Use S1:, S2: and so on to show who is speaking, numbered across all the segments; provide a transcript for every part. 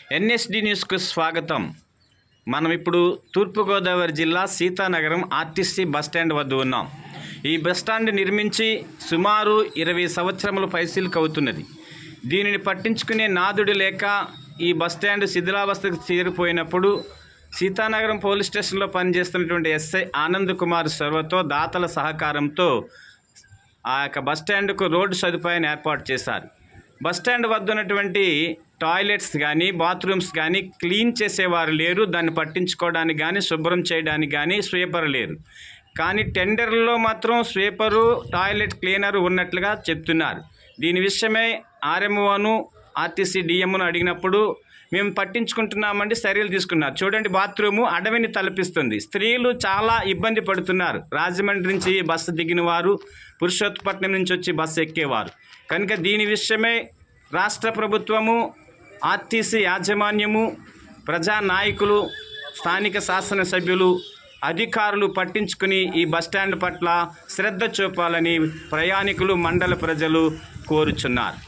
S1: NSD న్యూస్కు స్వాగతం. మనం ఇప్పుడు తూర్పుగోదావరి జిల్లా సీతానగరం ఆర్టీసీ బస్టాండ్ వద్ద ఉన్నాం. ఈ బస్టాండ్ నిర్మించి సుమారు 20 సంవత్సరముల పైసీలకు అవుతున్నది. దీనిని పట్టించుకునే నాదుడు లేక ఈ బస్టాండ్ శిథిలావస్థకు చేరిపోయినప్పుడు సీతానగరం పోలీస్ స్టేషన్లో పనిచేస్తున్నటువంటి ఎస్ఐ ఆనంద్ కుమార్ సర్వతో దాతల సహకారంతో ఆ యొక్క బస్టాండ్కు రోడ్డు సదుపాయాన్ని ఏర్పాటు చేశారు. బస్టాండ్ వద్ద ఉన్నటువంటి టాయిలెట్స్ కానీ బాత్రూమ్స్ కానీ క్లీన్ చేసేవారు లేరు. దాన్ని పట్టించుకోవడానికి కానీ శుభ్రం చేయడానికి కానీ స్వీపర్ లేరు. కానీ టెండర్లో మాత్రం స్వీపరు టాయిలెట్ క్లీనరు ఉన్నట్లుగా చెప్తున్నారు. దీని విషయమై ఆర్ఎంఓను ఆర్టీసీ డిఎంను అడిగినప్పుడు మేము పట్టించుకుంటున్నామండి, చర్యలు తీసుకున్నారు. చూడండి, బాత్రూము అడవిని తలపిస్తుంది. స్త్రీలు చాలా ఇబ్బంది పడుతున్నారు. రాజమండ్రి నుంచి బస్సు దిగిన వారు, పురుషోత్తపట్నం నుంచి వచ్చి బస్సు ఎక్కేవారు. కనుక దీని విషయమై రాష్ట్ర ప్రభుత్వము, ఆర్టీసీ యాజమాన్యము, ప్రజానాయకులు, స్థానిక శాసనసభ్యులు, అధికారులు పట్టించుకుని ఈ బస్టాండ్ పట్ల శ్రద్ధ చూపాలని ప్రయాణికులు, మండల ప్రజలు కోరుచున్నారు.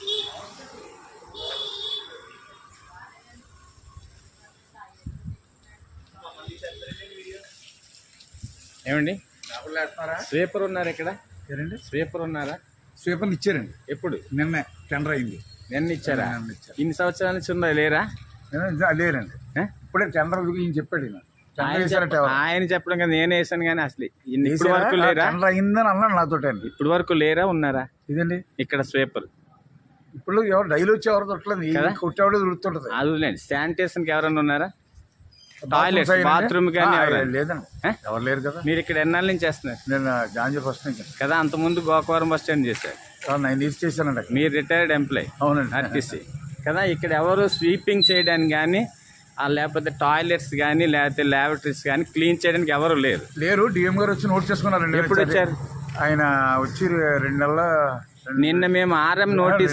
S1: ఏమండి, స్వీపర్ ఉన్నారు ఇక్కడ? స్వీపర్ ఉన్నారా?
S2: స్వీపర్ ఇచ్చారండి.
S1: ఎప్పుడు?
S2: నిన్న టెండర్ అయింది.
S1: నిన్న ఇచ్చారా? ఇన్ని సంవత్సరాల నుంచి ఉందా? లేరా?
S2: లేరండి, ఇప్పుడే టెండర్ చెప్పాడు.
S1: ఆయన చెప్పడం కదా, నేను వేసాను. కానీ అసలు ఇప్పటి వరకు లేరా?
S2: టెండర్ అయిందని అన్నాడు నాతో.
S1: ఇప్పటి వరకు లేరా? ఉన్నారా?
S2: ఇదండి
S1: ఇక్కడ స్వీపర్.
S2: ఇప్పుడు ఎవరు డైలీ వచ్చి ఎవరు దొరకలేదు, కొట్టేవాడు దొరుకుతుంటది.
S1: అదిలేండి. శానిటేషన్కి ఎవరన్నా ఉన్నారా? టాయిలెట్, బాత్రూమ్ కానీ
S2: లేదండి, ఎవరు లేరు కదా.
S1: మీరు ఇక్కడ ఎన్నాళ్ళ నుంచి చేస్తున్నారు?
S2: నేను జాంజర్ ఫస్ట్ నుంచి
S1: కదా. అంతకుముందు గోకవరం బస్ స్టాండ్ చేశారు.
S2: 9 years చేశానండి.
S1: మీరు రిటైర్డ్ ఎంప్లాయ్.
S2: అవునండి,
S1: ఆర్టీసీ కదా. ఇక్కడ ఎవరు స్వీపింగ్ చేయడానికి కానీ, లేకపోతే టాయిలెట్స్ కానీ, లేకపోతే ల్యాబొరేటరీస్ కానీ క్లీన్ చేయడానికి ఎవరు లేరు.
S2: డిఎం గారు వచ్చి నోట్ చేసుకున్నారండి.
S1: ఎప్పుడు వచ్చారు?
S2: ఆయన వచ్చి 2 నెలల.
S1: నిన్న మేము ఆర్ఎం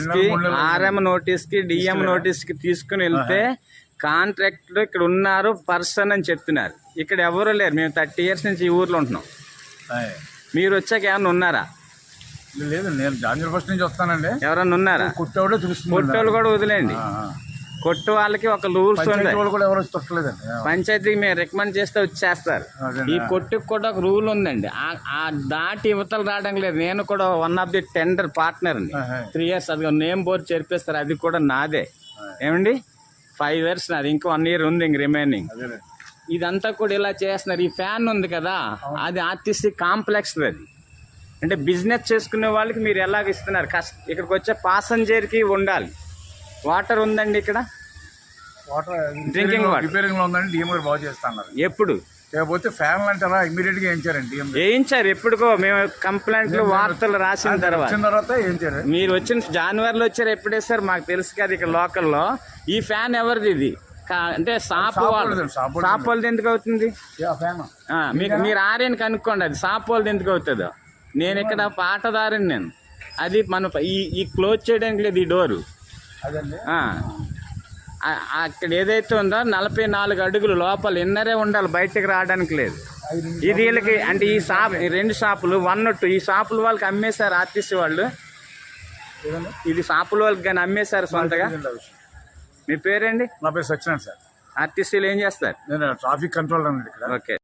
S1: నోటీస్కి డిఎం నోటీస్కి తీసుకుని వెళ్తే కాంట్రాక్టర్ ఇక్కడ ఉన్నారు పర్సన్ అని చెప్తున్నారు. ఇక్కడ ఎవరు లేరు. మేము 30 years నుంచి ఈ ఊర్లో ఉంటున్నాం. మీరు వచ్చాక ఏమన్నా ఉన్నారా?
S2: లేదు, నేను జాంజర్ ఫస్ట్ నుంచి వస్తానండి.
S1: ఎవరన్నా ఉన్నారా?
S2: కొట్టేవాడే చూస్తుంది.
S1: కొట్టోళ్ళు కూడా వదిలేండి. కొట్టు వాళ్ళకి ఒక రూల్స్ ఉంది. పంచాయతీకి మేము రికమెండ్ చేస్తే వచ్చేస్తారు. ఈ కొట్టుకు కూడా ఒక రూల్ ఉందండి. ఆ దాటి యువతలు రావడం లేదు. నేను కూడా one of the tender partner అండి. 3 years అది నేమ్ బోర్డు చేర్పిస్తారు. అది కూడా నాదే. ఏమండి, 5 years నాది. ఇంకో 1 year ఉంది ఇంక రిమైనింగ్. ఇదంతా కూడా ఇలా చేస్తున్నారు. ఈ ఫ్యాన్ ఉంది కదా, అది ఆర్టీసీ కాంప్లెక్స్. అది అంటే బిజినెస్ చేసుకునే వాళ్ళకి మీరు ఎలాగ ఇస్తున్నారు? ఇక్కడికి వచ్చే పాసెంజర్కి ఉండాలి. వాటర్ ఉందండి ఇక్కడ?
S2: వాటర్
S1: డ్రింకింగ్ వాటర్
S2: రిపేరింగ్ లో ఉందండి. డిఎం గారు బాగు చేస్తున్నారు.
S1: ఎప్పుడు?
S2: లేకపోతే ఫ్యాన్లు అంటారా ఇమీడియట్ గా
S1: వేయించారు. ఎప్పుడుకో మేము కంప్లైంట్లు వార్తలు రాసిన తర్వాత
S2: వేయించారు.
S1: మీరు వచ్చిన జనవరిలో వచ్చారు. ఎప్పుడు వేస్తారు మాకు తెలుసు కదా. ఇక్కడ లోకల్లో ఈ ఫ్యాన్ ఎవరిది? ఇది అంటే షాప్ వాళ్ళది ఎందుకు అవుతుంది? మీరు ఆర్యని కనుక్కోండి. అది షాప్ వాళ్ళది ఎందుకు అవుతుందో. నేను ఇక్కడ పాటదారిని. నేను అది మన ఈ క్లోజ్ చేయడానికి లేదు ఈ డోరు. అక్కడ ఏదైతే ఉందో 44 అడుగులు లోపల ఇన్నరే ఉండాలి, బయటకు రావడానికి లేదు. ఇది వీళ్ళకి అంటే ఈ షాప్ 2 షాపులు 1 2 ఈ షాపుల వాళ్ళకి అమ్మేశారు ఆర్టీసీ వాళ్ళు. ఇది షాపుల వాళ్ళకి కానీ అమ్మేశారు సొంతగా. మీ పేరేంటి?
S2: నా పేరు సత్యనారాయణ సార్.
S1: ఆర్టీసీలో ఏం చేస్తారు?
S2: నేను ట్రాఫిక్ కంట్రోలర్ అండి ఇక్కడ.
S1: ఓకే.